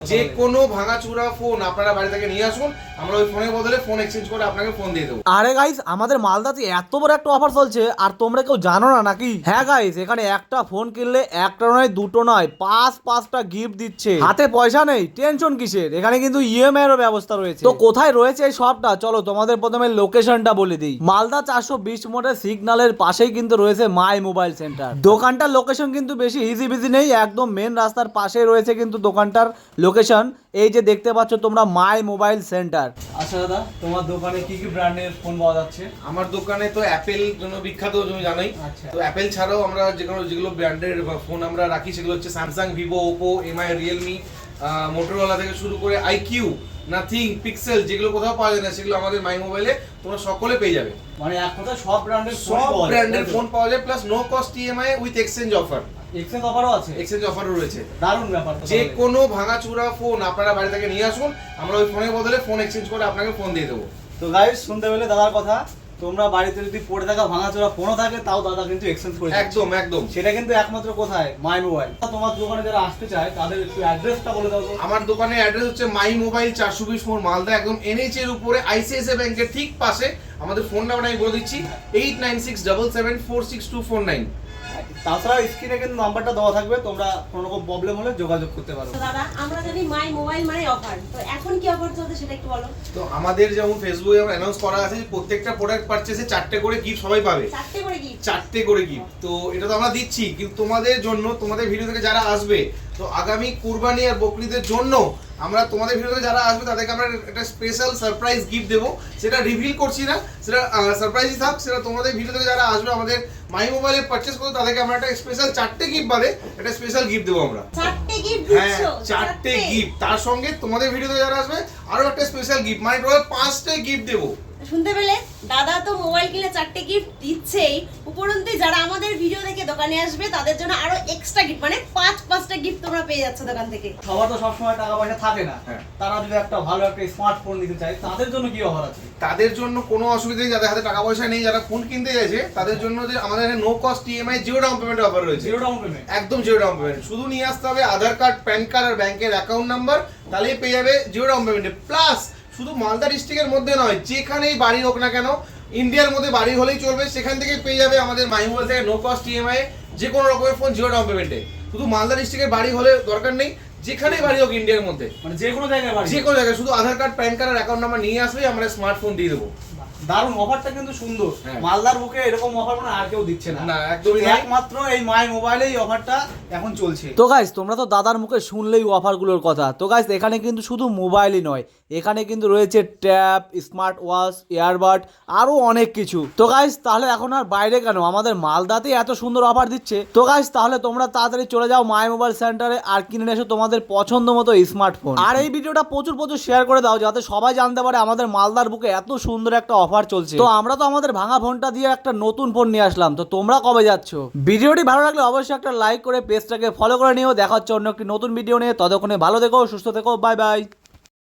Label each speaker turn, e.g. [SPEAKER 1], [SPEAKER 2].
[SPEAKER 1] যে কোনো ভাঙাচুরা ফোন আপনারা বাড়ি থেকে নিয়ে আসুন, আমরা ওই ফোনের বদলে ফোন এক্সচেঞ্জ করে আপনাকে ফোন দিয়ে দেবো।
[SPEAKER 2] আরে গাইস, আমাদের মালদাতে এত বড় একটা অফার চলছে আর তোমরা কেউ জানো না নাকি? হ্যাঁ গাইস, এখানে একটা ফোন কিনলে একটা নয় দুটো নয় পাঁচটা গিফট দিচ্ছে। হাতে পয়সা নেই, টেনশন কিসের? এখানে কিন্তু ইএমআই এর ব্যবস্থা রয়েছে। তো কোথায় রয়েছে এই শপটা, চলো তোমাদের প্রথমে লোকেশনটা বলে দিই। মালদা 420 মোড়ের সিগন্যালের পাশেই কিন্তু রয়েছে মাই মোবাইল সেন্টার। দোকানটার লোকেশন কিন্তু বেশি ইজি বিজি নেই, একদম মেন রাস্তার পাশেই রয়েছে কিন্তু দোকানটার লোকেশন। এই যে দেখতে পাচ্ছ তোমরা মাই মোবাইল সেন্টার। আচ্ছা দাদা, তোমার দোকানে কি কি ব্র্যান্ডের ফোন পাওয়া যাচ্ছে?
[SPEAKER 1] আমার দোকানে তো অ্যাপেল জন্য বিখ্যাত, তুমি জানোই। তো অ্যাপেল ছাড়াও আমরা যেগুলো ব্র্যান্ডের ফোন আমরা রাখি সেগুলো হচ্ছে Samsung, Vivo, Oppo, MI, Realme, Motorola থেকে শুরু করে আইকিউ, নাথিং, পিক্সেল, যেগুলো কোথাও পাওয়া যায় না সেগুলো আমাদের মাই মোবাইলে তোমরা সকলে পেয়ে যাবে।
[SPEAKER 2] মানে এক কথায় সব ব্র্যান্ডের
[SPEAKER 1] ফোন পাওয়া যায়, plus no cost EMI with exchange offer.
[SPEAKER 2] Exchange অফারও আছে? এক্সচেঞ্জ
[SPEAKER 1] অফারও রয়েছে।
[SPEAKER 2] দারুণ ব্যাপার।
[SPEAKER 1] যে কোনো ভাঙাচুরা ফোন আপনারা বাড়ি থেকে নিয়ে আসুন, আমরা ওই ফোনের বদলে ফোন এক্সচেঞ্জ করে আপনাকে ফোন দিয়ে দেবো।
[SPEAKER 2] তো গাইস, শুনতে পেলে দাদার কথা, তোমরা বাড়িতে যদি পড়ে থাকা ভাঙাচোরা ফোনও থাকে তাও দাদা কিন্তু এক্সচেঞ্জ করে
[SPEAKER 1] একদম একদম।
[SPEAKER 2] সেটা কিন্তু একমাত্র কোথায়? My mobile. তোমার দোকানে যারা আসতে চায় তাদের একটু অ্যাড্রেসটা বলে দাও।
[SPEAKER 1] আমার দোকানের অ্যাড্রেস হচ্ছে মাই মোবাইল 420 মোড়, মালদা, একদম এনএইচ এর উপরে আইসিআইসিআই ব্যাংকের ঠিক পাশে। আমাদের ফোন নাম্বার আমি বলে দিচ্ছি 8967746249।
[SPEAKER 2] তাছাড়া স্ক্রিনে কিন্তু নাম্বারটা দেওয়া থাকবে, তোমরা কোনো রকম প্রবলেম হলে যোগাযোগ করতে পারো।
[SPEAKER 3] দাদা, আমরা জানি মাই মোবাইল মানে অফার, তো এখন কি অফার চলছে সেটা একটু বলো।
[SPEAKER 1] তো আমাদের যেমন ফেসবুকে অ্যানাউন্স করা আছে যে প্রত্যেকটা প্রোডাক্ট পারচেজে 4টে করে গিফট সবাই পাবে। 4টে করে গিফট। তো এটা তো আমরা দিচ্ছি, কিন্তু তোমাদের জন্য, তোমাদের ভিডিও থেকে যারা আসবে, তো আগামী কুরবানি আর বকরিদের জন্য আমরা তোমাদের ভিডিও থেকে যারা আসবে তাদেরকে আমরা একটা স্পেশাল সারপ্রাইজ গিফট দেবো। সেটা রিভিল করছি না, সেটা সারপ্রাইজই থাক। সেটা তোমাদের ভিডিও থেকে যারা আসবে আমাদের মাই মোবাইলে পারচেজ করতে, তাদেরকে আমরা একটা স্পেশাল 4টে গিফট বাদে একটা স্পেশাল গিফট দেবো আমরা।
[SPEAKER 3] 4টে গিফট
[SPEAKER 1] হ্যাঁ,
[SPEAKER 3] দিচ্ছো?
[SPEAKER 1] 4টে গিফট। তার সঙ্গে তোমাদের ভিডিও থেকে যারা আসবে আরো একটা স্পেশাল গিফট, মানে টোটাল 5টে গিফট দেবো।
[SPEAKER 3] শুনতে পেলে, দাদা তো মোবাইল কিনে 4টে গিফট দিচ্ছেই, উপরন্তু যারা আমাদের ভিডিও দেখে দোকানে আসবে তাদের জন্য আরো এক্সট্রা গিফট, মানে 5টা গিফট তোমরা পেয়ে যাচ্ছ দোকান থেকে।
[SPEAKER 2] সবার তো সবসময় টাকা পয়সা থাকে না, তারা যদি একটা ভালো একটা স্মার্টফোন নিতে চায় তাদের জন্য কি অফার আছে?
[SPEAKER 1] তাদের জন্য কোনো অসুবিধা নেই, যাদের হাতে টাকা পয়সা নেই, যারা ফোন কিনতে চাইছে তাদের জন্য যে আমাদের এখানে no cost EMI, zero down payment offer রয়েছে।
[SPEAKER 2] Zero down payment?
[SPEAKER 1] একদম জিরো ডাউন পেমেন্ট। শুধু নিয়ে আসতে হবে আধার কার্ড, প্যান কার্ড আর ব্যাংকের অ্যাকাউন্ট নাম্বার, তাহলেই পেয়ে যাবে জিরো ডাউন পেমেন্টে। প্লাস শুধু মালদা ডিস্ট্রিক্টের মধ্যে নয়, যেখানেই বাড়ি হোক না কেন, ইন্ডিয়ার মধ্যে বাড়ি হলেই চলবে, সেখান থেকে পেয়ে যাবে আমাদের মাই মোবাইল থেকে নো কস্ট ইএমআই যে কোনো রকমের ফোন জিরো ডাউন পেমেন্টে। শুধু মালদা ডিস্ট্রিক্টের বাড়ি হলে দরকার নেই, যেখানেই বাড়ি হোক ইন্ডিয়ার মধ্যে,
[SPEAKER 2] মানে যে কোনো জায়গায় বাড়ি,
[SPEAKER 1] যে কোনো জায়গায় শুধু আধার কার্ড, প্যান কার্ড আর অ্যাকাউন্ট নাম্বার নিয়ে আসলেই আমরা স্মার্টফোন দিয়ে দেবো।
[SPEAKER 2] দারুণ অফারটা কিন্তু সুন্দর। মালদার বুকে এরকম অফার মানে আর কেউ দিচ্ছে না।
[SPEAKER 1] না, একদমই না,
[SPEAKER 2] একমাত্র এই মাই মোবাইলে এই অফারটা এখন চলছে। তো গাইস, তোমরা তো দাদার মুখে শুনলেই অফারগুলোর কথা। তো গাইস, এখানে কিন্তু শুধু মোবাইলই নয়, এখানে কিন্তু রয়েছে ট্যাব, স্মার্ট ওয়াচ, ইয়ারবাড, আরো অনেক কিছু। তো গাইস, তাহলে এখন আর বাইরে কেন, আমাদের মালদাতে এত সুন্দর অফার দিচ্ছে। তো গাইস, তাহলে তোমরা তাড়াতাড়ি চলে যাও মাই মোবাইল সেন্টারে আর কিনে এসো তোমাদের পছন্দ মতো স্মার্টফোন। আর এই ভিডিওটা প্রচুর শেয়ার করে দাও, যাতে সবাই জানতে পারে আমাদের মালদার বুকে এত সুন্দর একটা অফার চলছে। তো আমরা তো আমাদের ভাঙা ফোনটা দিয়ে একটা নতুন ফোন নিয়ে আসলাম, তো তোমরা কবে যাচ্ছ? ভিডিওটি ভালো লাগলে অবশ্যই একটা লাইক করে পেজটাকে ফলো করে নিও। দেখা হচ্ছে অন্য একটি নতুন ভিডিও নিয়ে। ততক্ষণে ভালো থেকো, সুস্থ থেকো, বাই বাই।